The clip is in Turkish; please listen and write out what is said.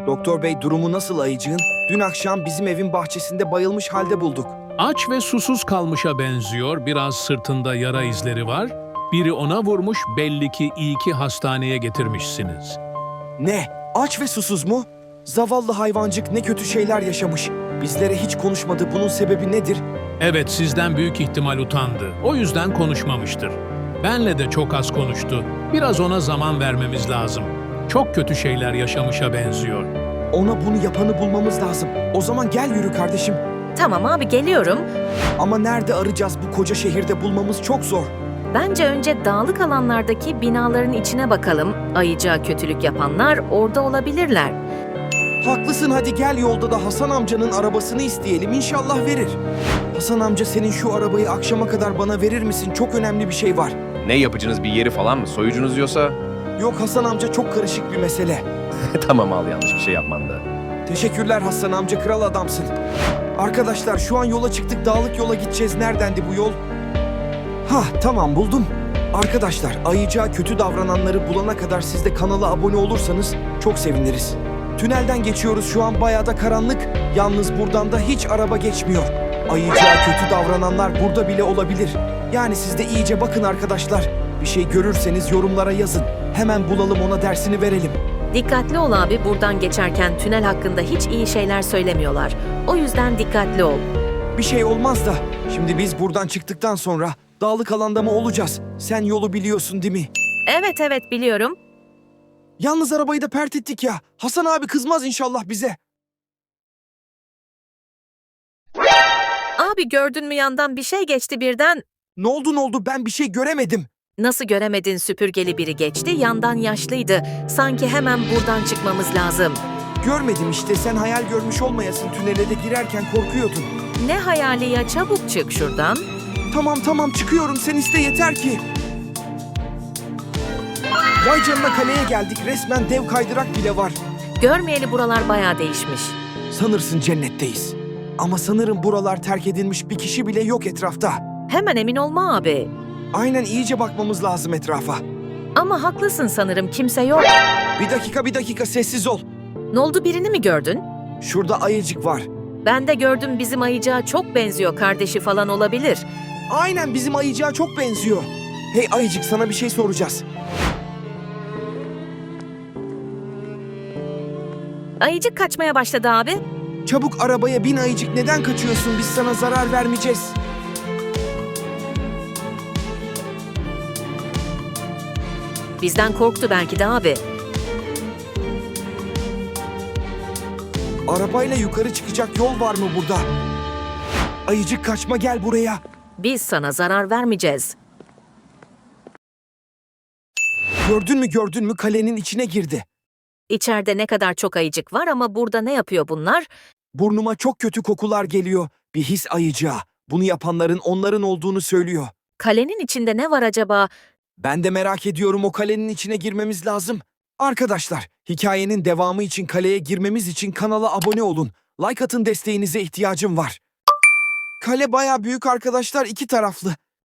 Doktor bey durumu nasıl ayıcığın? Dün akşam bizim evin bahçesinde bayılmış halde bulduk. Aç ve susuz kalmışa benziyor, biraz sırtında yara izleri var. Biri ona vurmuş, belli ki iyi ki hastaneye getirmişsiniz. Ne? Aç ve susuz mu? Zavallı hayvancık ne kötü şeyler yaşamış. Bizlere hiç konuşmadı. Bunun sebebi nedir? Evet, sizden büyük ihtimal utandı. O yüzden konuşmamıştır. Benle de çok az konuştu. Biraz ona zaman vermemiz lazım. Çok kötü şeyler yaşamışa benziyor. Ona bunu yapanı bulmamız lazım. O zaman gel yürü kardeşim. Tamam abi, geliyorum. Ama nerede arayacağız, bu koca şehirde bulmamız çok zor. Bence önce dağlık alanlardaki binaların içine bakalım. Ayıca kötülük yapanlar orada olabilirler. Haklısın, hadi gel, yolda da Hasan amcanın arabasını isteyelim, inşallah verir. Hasan amca, senin şu arabayı akşama kadar bana verir misin? Çok önemli bir şey var. Ne yapıcınız, bir yeri falan mı? Soyucunuz yoksa? Yok Hasan amca, çok karışık bir mesele. Tamam, al, yanlış bir şey yapman da. Teşekkürler Hasan amca, kral adamsın. Arkadaşlar şu an yola çıktık, dağlık yola gideceğiz. Neredendi bu yol? Tamam, buldum. Arkadaşlar, ayıcağa kötü davrananları bulana kadar siz de kanala abone olursanız çok seviniriz. Tünelden geçiyoruz, şu an bayağı da karanlık. Yalnız buradan da hiç araba geçmiyor. Ayıcağa kötü davrananlar burada bile olabilir. Yani siz de iyice bakın arkadaşlar. Bir şey görürseniz yorumlara yazın. Hemen bulalım, ona dersini verelim. Dikkatli ol abi, buradan geçerken tünel hakkında hiç iyi şeyler söylemiyorlar. O yüzden dikkatli ol. Bir şey olmaz da. Şimdi biz buradan çıktıktan sonra dağlık alanda mı olacağız? Sen yolu biliyorsun değil mi? Evet biliyorum. Yalnız arabayı da pert ettik ya. Hasan abi kızmaz inşallah bize. Abi, gördün mü, yandan bir şey geçti birden. Ne oldu ben bir şey göremedim. Nasıl göremedin, süpürgeli biri geçti, yandan yaşlıydı. Sanki hemen buradan çıkmamız lazım. Görmedim işte, sen hayal görmüş olmayasın, tünele de girerken korkuyordun. Ne hayali ya, çabuk çık şuradan. Tamam çıkıyorum, sen iste yeter ki. Vay canına, kaleye geldik, resmen dev kaydırak bile var. Görmeyeli buralar bayağı değişmiş. Sanırsın cennetteyiz. Ama sanırım buralar terk edilmiş, bir kişi bile yok etrafta. Hemen emin olma abi. Aynen, iyice bakmamız lazım etrafa. Ama haklısın, sanırım kimse yok. Bir dakika sessiz ol. Ne oldu, birini mi gördün? Şurada ayıcık var. Ben de gördüm, bizim ayıcağa çok benziyor, kardeşi falan olabilir. Aynen, bizim ayıcığa çok benziyor. Hey ayıcık, sana bir şey soracağız. Ayıcık kaçmaya başladı abi. Çabuk arabaya bin ayıcık, neden kaçıyorsun? Biz sana zarar vermeyeceğiz. Bizden korktu belki de abi. Arabayla yukarı çıkacak yol var mı burada? Ayıcık kaçma, gel buraya. Biz sana zarar vermeyeceğiz. Gördün mü kalenin içine girdi. İçeride ne kadar çok ayıcık var ama burada ne yapıyor bunlar? Burnuma çok kötü kokular geliyor. Bir his ayıcığa. Bunu yapanların onların olduğunu söylüyor. Kalenin içinde ne var acaba? Ben de merak ediyorum, o kalenin içine girmemiz lazım. Arkadaşlar, hikayenin devamı için kaleye girmemiz için kanala abone olun. Like atın, desteğinize ihtiyacım var. Kale bayağı büyük arkadaşlar, iki taraflı.